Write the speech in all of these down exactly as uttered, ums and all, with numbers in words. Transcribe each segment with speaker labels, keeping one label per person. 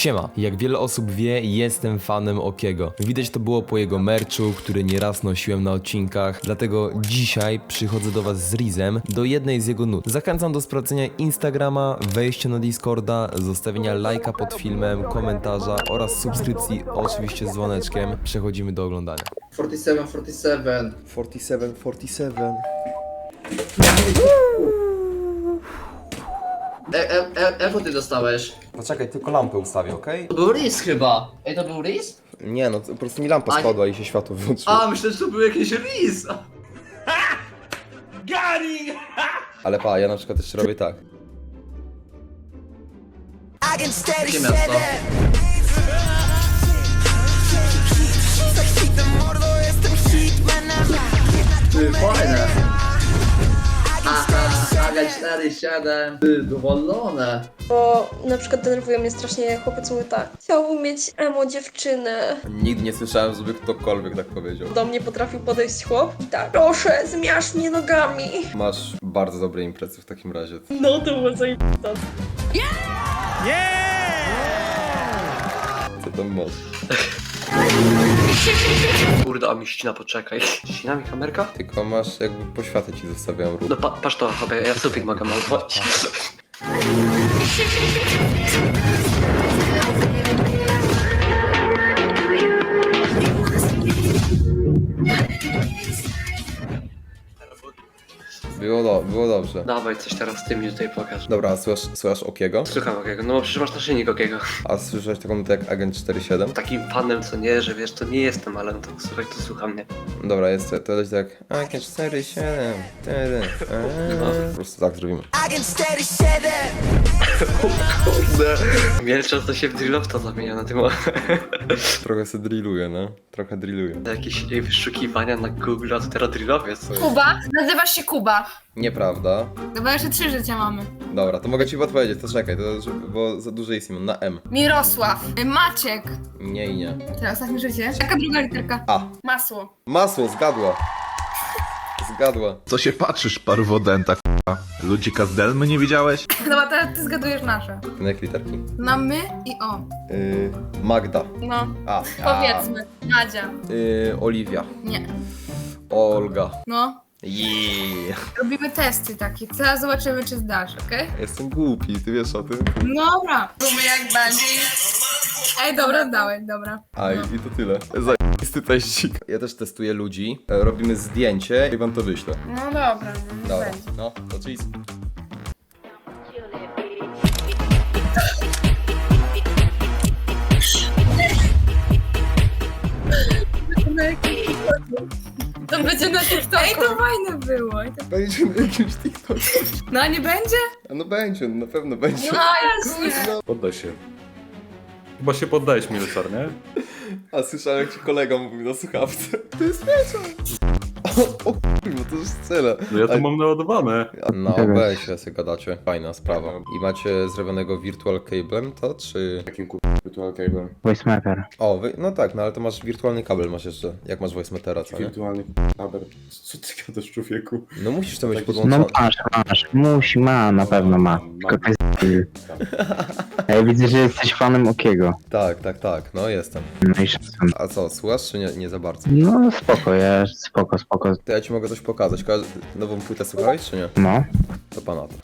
Speaker 1: Siema, jak wiele osób wie, jestem fanem Okiego. Widać to było po jego merchu, który nieraz nosiłem na odcinkach, dlatego dzisiaj przychodzę do was z Rizem do jednej z jego nut. Zachęcam do sprawdzenia Instagrama, wejścia na Discorda, zostawienia lajka pod filmem, komentarza oraz subskrypcji, oczywiście z dzwoneczkiem. Przechodzimy do oglądania.
Speaker 2: czterdzieści siedem, czterdzieści siedem.
Speaker 3: czterdzieści siedem, czterdzieści siedem.
Speaker 2: E, e, e, Ewo ty dostałeś.
Speaker 3: Poczekaj, tylko lampę ustawię, okej?
Speaker 2: To był Riz chyba. Ej, to był Riz?
Speaker 3: Nie no, to po prostu mi lampa
Speaker 2: A nie-
Speaker 3: spadła i się światło wyłączyło.
Speaker 2: A, myślę, że to był jakiś Riz.
Speaker 3: Ale pa, ja na przykład też robię tak.
Speaker 2: Jakie miasto? Ty, fajne. Aha, Aga cztery siedem. Ty, dowolone.
Speaker 4: Bo na przykład denerwuje mnie strasznie chłopiec mówi tak: chciałbym mieć emo dziewczynę.
Speaker 3: Nigdy nie słyszałem, żeby ktokolwiek tak powiedział.
Speaker 4: Do mnie potrafił podejść chłop i tak: proszę, zmiażdż mnie nogami.
Speaker 3: Masz bardzo dobre imprezy w takim razie.
Speaker 4: No to było zajebiste.
Speaker 3: Co tam masz?
Speaker 5: Kurde, a mi ścina, poczekaj. Ścina mi kamerka?
Speaker 3: Tylko masz jakby poświatę ci zostawiam.
Speaker 5: No pa, patrz to, chyba ja sufit mogę malować.
Speaker 3: Było, do, było dobrze.
Speaker 5: Dawaj coś teraz ty mi tutaj pokaż.
Speaker 3: Dobra, słuchasz, słuchasz Okiego?
Speaker 5: Słucham Okiego, no przecież masz naszyjnik Okiego.
Speaker 3: A słyszałeś taką nutę jak Agent czterdzieści siedem?
Speaker 5: Takim fanem co nie, że wiesz, to nie jestem, ale no to słuchaj, to słucham mnie.
Speaker 3: Dobra, jest to, to leci tak Agent czterdzieści siedem, cztery, eee. Po prostu tak zrobimy.
Speaker 5: Kurde. Mnie często się w drillowca zamienia na tym.
Speaker 3: Trochę se drilluję, no. Trochę drilluję.
Speaker 5: Jakieś jej wyszukiwania na Google, a to teraz drillowiec.
Speaker 6: Kuba? Nazywasz się Kuba.
Speaker 3: Nieprawda.
Speaker 6: Chyba jeszcze trzy życia mamy.
Speaker 3: Dobra, to mogę ci podpowiedzieć, to czekaj, to, żeby- bo za duży jest imion, na M.
Speaker 6: Mirosław. Maciek.
Speaker 3: Nie i nie.
Speaker 6: Teraz ostatnie życie. Jaka druga literka?
Speaker 3: A.
Speaker 6: Masło.
Speaker 3: Masło, zgadła. Zgadła.
Speaker 7: Co się patrzysz, parwodenta, k***a? Ludzika z Delmy nie widziałeś?
Speaker 6: Dobra, teraz ty zgadujesz nasze.
Speaker 3: Na jakie literki?
Speaker 6: Na my i o.
Speaker 3: Yy, Magda.
Speaker 6: No.
Speaker 3: A.
Speaker 6: Powiedzmy. Nadzia.
Speaker 3: Yy, Oliwia.
Speaker 6: Nie.
Speaker 3: Olga.
Speaker 6: No.
Speaker 3: Yeah.
Speaker 6: Robimy testy takie. Teraz zobaczymy, czy zdasz, okej?
Speaker 3: Jestem głupi, ty wiesz o tym?
Speaker 6: Dobra. Zobaczymy jak będzie. Ej, dobra, dałeś, dobra.
Speaker 3: A i i to tyle. Zajebisty teścik. Ja też testuję ludzi. E, Robimy zdjęcie i wam to wyślę.
Speaker 6: No dobra, no
Speaker 3: Dobra,
Speaker 6: będzie.
Speaker 3: no, to cheese.
Speaker 6: To będzie na TikToku. Ej, to fajne było. I to...
Speaker 3: Będzie na jakimś TikToku.
Speaker 6: No a nie będzie?
Speaker 3: A no będzie, no na pewno będzie.
Speaker 6: No jasnie.
Speaker 8: Poddaj się. Chyba się poddajesz, Milczar, nie?
Speaker 3: A słyszałem jak ci kolega mówił na słuchawce. To jest wieczór. O, o kurwa, to już tyle.
Speaker 8: No ja to
Speaker 3: Ale-
Speaker 8: mam naładowane.
Speaker 3: No weź, ja sobie gadacie. Fajna sprawa. I macie zrobionego virtual cablem to, czy...
Speaker 8: Jakim ku... virtual cable?
Speaker 9: Voicemaker.
Speaker 3: O, wy... no tak, no ale to masz wirtualny kabel, masz jeszcze. Jak masz voicemetera, co nie?
Speaker 8: Wirtualny kabel. Co ty gadasz, człowieku?
Speaker 3: No musisz to mieć
Speaker 8: Taki-
Speaker 3: podłączone.
Speaker 9: No masz, masz. Musi, ma, na pewno ma. Tylko to jest... Ja widzę, że jesteś fanem Okiego.
Speaker 3: Tak, tak, tak, no jestem.
Speaker 9: No i szacun.
Speaker 3: A co, słuchasz czy nie, nie za bardzo?
Speaker 9: No spoko, ja spoko, spoko.
Speaker 3: To ja ci mogę coś pokazać. Kojarzy- Nową płytę słuchałeś czy nie?
Speaker 9: No.
Speaker 3: To pana to.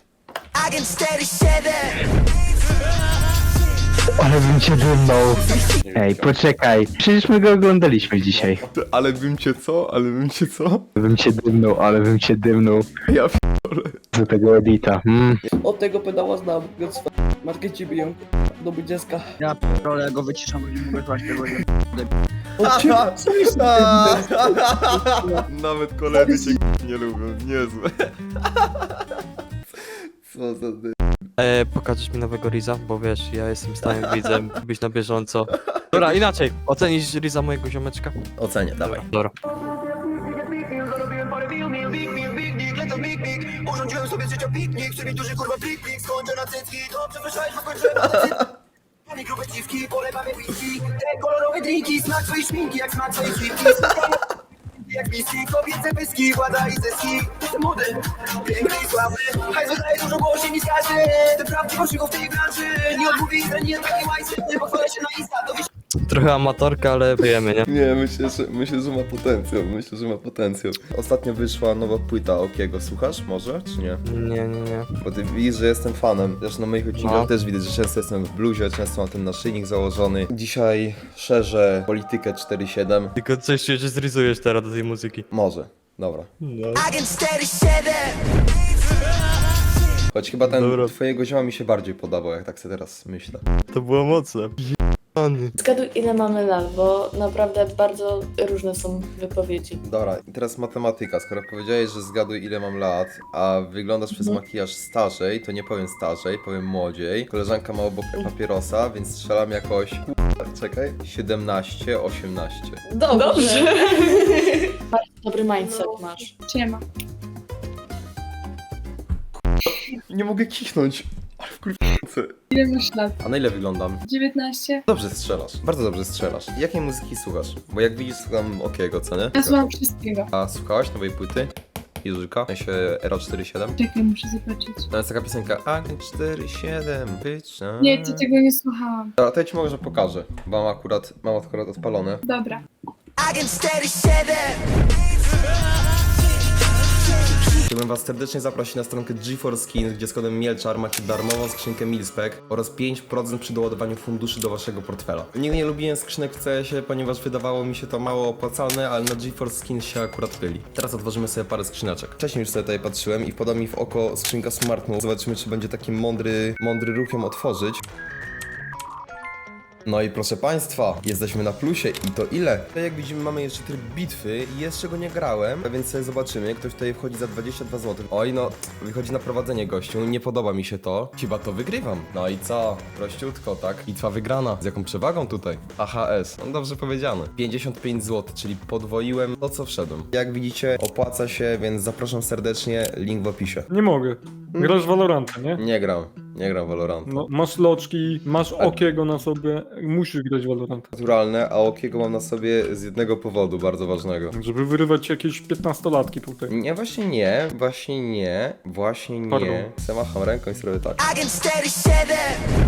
Speaker 9: Ale bym cię dymnął. Ej, poczekaj. Przecież my go oglądaliśmy dzisiaj.
Speaker 3: Ale bym cię co? Ale bym cię co?
Speaker 9: Bym cię dymnął, ale bym cię dymnął.
Speaker 3: Ja
Speaker 9: Do tego edita. Mm.
Speaker 2: Od tego pedała znam, więc markecie biją. Doby dziecka.
Speaker 10: Ja p***rolę, go wyciszam, bo nie mogę słuchać tego. Nie.
Speaker 3: Nawet koledzy cię nie lubią, niezłe. Co za dy...
Speaker 11: E, pokażesz mi nowego Riza, bo wiesz, ja jestem stałym widzem, być na bieżąco. Dobra, inaczej, ocenisz Riza mojego ziomeczka?
Speaker 3: Ocenię, dawaj.
Speaker 11: Dobra.
Speaker 10: Urządziłem sobie życia piknik, czyli duży kurwa piknik, skończę na cycki, dobrze wyszłeś, bo skończyłem na cycki. Mamy grube dziwki, polewamy whisky, te kolorowe drinki, smak twojej szminki, jak smak twojej śliwki. Jak miski, kobiece pyski, władza i zyski. Jestem młody, piękny i sławny, hajs wydaje dużo głośniej niż każdy. Jestem prawdziwą szybą w tej branży, nie odmówi, że nie taki łajsy, nie pochwalę.
Speaker 11: Trochę amatorka, ale wiemy, nie?
Speaker 3: Nie, myślę, że, myślę, że ma potencjał, myślę, że ma potencjał. Ostatnio wyszła nowa płyta Okiego, słuchasz może, czy nie?
Speaker 11: Nie, nie, nie.
Speaker 3: Bo ty widzisz, że jestem fanem. Zresztą na moich odcinkach
Speaker 11: No.
Speaker 3: też widać, że często jestem w bluzie, często mam ten naszyjnik założony. Dzisiaj szerzę politykę cztery siedem.
Speaker 11: Tylko coś się zrizujesz teraz do tej muzyki.
Speaker 3: Może, dobra.
Speaker 10: Agent cztery siedem.
Speaker 3: Choć chyba ten
Speaker 11: Dobra.
Speaker 3: twojego zioma mi się bardziej podobał, jak tak sobie teraz myślę.
Speaker 11: To było mocne. Jebany.
Speaker 12: Zgaduj, ile mamy lat, bo naprawdę bardzo różne są wypowiedzi.
Speaker 3: Dobra, i teraz matematyka. Skoro powiedziałeś, że zgaduj ile mam lat, a wyglądasz przez makijaż starzej, to nie powiem starzej, powiem młodziej. Koleżanka ma obok papierosa, więc strzelam jakoś... K***a, czekaj, siedemnaście, osiemnaście.
Speaker 12: Dobrze. Bardzo dobry mindset masz.
Speaker 6: Siema.
Speaker 3: Nie mogę kichnąć. Ale wkurwające.
Speaker 6: Ile masz lat?
Speaker 3: A na ile wyglądam?
Speaker 6: dziewiętnaście?
Speaker 3: Dobrze strzelasz, bardzo dobrze strzelasz. Jakiej muzyki słuchasz? Bo jak widzisz, słucham Okiego, co nie?
Speaker 6: Ja słucham wszystkiego.
Speaker 3: A słuchałaś nowej płyty? Jerzyka? W sensie Era cztery siedem?
Speaker 6: Czekaj, muszę zobaczyć.
Speaker 3: To jest taka piosenka Agent cztery siedem, bitch. a.
Speaker 6: Nie, to tego nie słuchałam.
Speaker 3: Dobra, to ja ci może pokażę, bo mam akurat, mam akurat odpalone.
Speaker 6: Dobra.
Speaker 10: Agent cztery siedem.
Speaker 1: Chciałbym was serdecznie zaprosić na stronkę GeForce Skins, gdzie z kodem Mielczar macie darmową skrzynkę Milspec oraz pięć procent przy doładowaniu funduszy do waszego portfela. Nigdy nie lubiłem skrzynek w C S-ie, ponieważ wydawało mi się to mało opłacalne, ale na GeForce Skins się akurat pyli. Teraz otworzymy sobie parę skrzyneczek. Wcześniej już sobie tutaj patrzyłem i poda mi w oko skrzynka Smart Move. Zobaczymy, czy będzie taki mądry, mądry ruch ją otworzyć. No i proszę państwa, jesteśmy na plusie i to ile? Tutaj jak widzimy mamy jeszcze tryb bitwy i jeszcze go nie grałem, a więc sobie zobaczymy, ktoś tutaj wchodzi za dwadzieścia dwa złote. Oj no, wychodzi na prowadzenie gościu, nie podoba mi się to, chyba to wygrywam. No i co? Prościutko, tak? Bitwa wygrana. Z jaką przewagą tutaj? A H S, no dobrze powiedziane. pięćdziesiąt pięć złotych, czyli podwoiłem to co wszedłem. Jak widzicie, opłaca się, więc zapraszam serdecznie, link w opisie.
Speaker 8: Nie mogę. Grasz w Valoranta, nie?
Speaker 3: Nie gram, nie gram Valorant.
Speaker 8: No, masz loczki, masz Okiego na sobie, musisz grać w Valoranta.
Speaker 3: Naturalne, a Okiego mam na sobie z jednego powodu bardzo ważnego.
Speaker 8: Żeby wyrywać jakieś piętnastolatki tutaj.
Speaker 3: Nie, właśnie nie, właśnie nie, właśnie nie.
Speaker 8: Pardon.
Speaker 3: Se macham ręką i zrobię tak.
Speaker 10: Agent cztery siedem.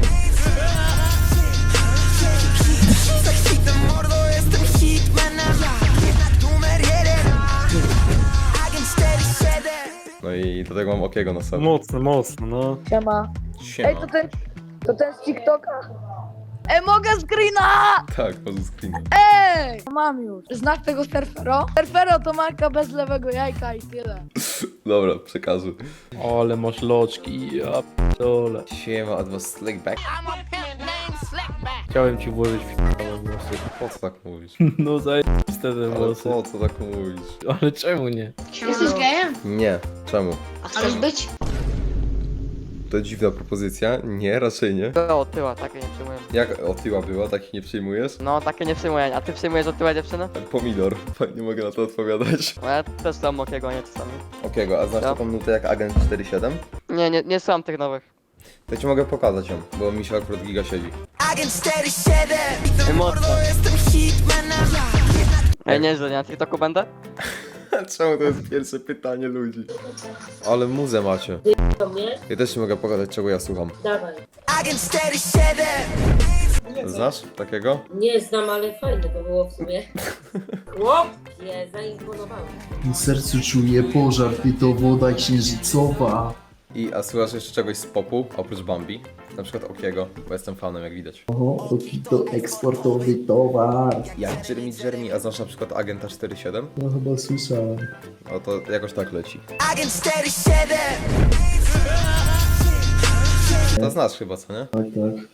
Speaker 10: Tak hitem mordo, jestem hitmanem. Jednak numer jeden. Agent cztery siedem.
Speaker 3: No i do tego mam Okiego na sobie.
Speaker 8: Mocno, mocno, no.
Speaker 12: Siema.
Speaker 3: Siema.
Speaker 12: ten, to ten z TikToka. Ej, mogę screena!
Speaker 3: Tak, może screen.
Speaker 12: Ej! Mam już. Znasz tego surfero? Surfero to marka bez lewego jajka i tyle.
Speaker 3: Dobra, przekażę.
Speaker 11: Ale masz loczki, ja p***ole.
Speaker 3: Siema, od was slickback.
Speaker 11: Chciałem ci włożyć f***owe włosy.
Speaker 3: Po co tak mówisz?
Speaker 11: No zajebiste te
Speaker 3: Ale
Speaker 11: włosy.
Speaker 3: po co tak mówisz?
Speaker 11: Ale czemu nie?
Speaker 6: Jesteś gejem?
Speaker 3: Nie, czemu?
Speaker 6: A chcesz być?
Speaker 3: To dziwna propozycja? Nie, raczej nie.
Speaker 5: To otyła, takie nie przyjmuję.
Speaker 3: Jak otyła była, takich nie przyjmujesz?
Speaker 5: No, takie nie przyjmuję. A ty przyjmujesz otyłe dziewczyny?
Speaker 3: Pomidor, nie mogę na to odpowiadać.
Speaker 5: No ja też mam Okiego, nie czasami.
Speaker 3: Okiego, a znasz
Speaker 5: Ja.
Speaker 3: taką nutę jak Agent cztery siedem?
Speaker 5: Nie, nie, nie słucham tych nowych.
Speaker 3: To ci mogę pokazać ją, bo mi się akurat giga siedzi.
Speaker 10: Agent cztery siedem.
Speaker 5: Ej, mocno.
Speaker 10: Jestem hitmanem.
Speaker 5: Ej, nieźle, nie? Na TikToku będę?
Speaker 3: Czemu to jest pierwsze pytanie ludzi? Ale muzę macie. Ja też ci mogę pokazać, czego ja słucham.
Speaker 12: Dawaj.
Speaker 10: Agent cztery siedem.
Speaker 3: Znasz takiego?
Speaker 12: Nie znam, ale fajne to było w sumie. Chłopie, zaimponowałem.
Speaker 10: W sercu czuję pożar, ty to woda księżycowa.
Speaker 3: I a słuchasz jeszcze czegoś z popu, oprócz Bambi? Na przykład Okiego, bo jestem fanem, jak widać.
Speaker 10: Oho, Oki to eksportowy towar.
Speaker 3: Jak Jeremy Jeremy, a znasz na przykład Agenta cztery siedem?
Speaker 10: No chyba słyszałem.
Speaker 3: No to jakoś tak leci.
Speaker 10: Agent cztery siedem.
Speaker 3: To znasz chyba, co nie?
Speaker 10: Tak, tak.